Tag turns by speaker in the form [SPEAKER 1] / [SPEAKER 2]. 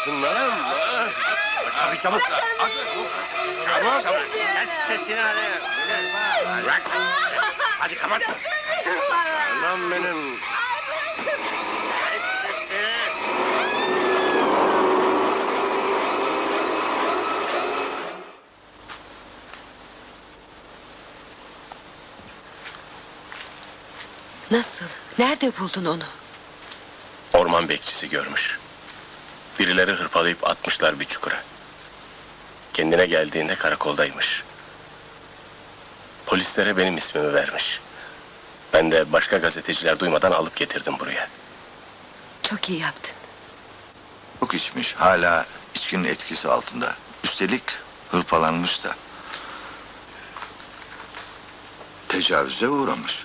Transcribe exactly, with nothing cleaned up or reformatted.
[SPEAKER 1] Altınlarım.
[SPEAKER 2] Abi çabuk.
[SPEAKER 1] Çabuk.
[SPEAKER 2] Çabuk. Kes sesini hadi. Bırak. Hadi kapat.
[SPEAKER 1] Anam benim.
[SPEAKER 2] Kes sesini.
[SPEAKER 3] Nasıl? Nerede buldun onu?
[SPEAKER 4] Orman bekçisi görmüş. Birileri hırpalayıp atmışlar bir çukura. Kendine geldiğinde karakoldaymış. Polislere benim ismimi vermiş. Ben de başka gazeteciler duymadan alıp getirdim buraya.
[SPEAKER 3] Çok iyi yaptın.
[SPEAKER 5] Çok içmiş, hala içkinin etkisi altında. Üstelik hırpalanmış da. Tecavüze uğramış.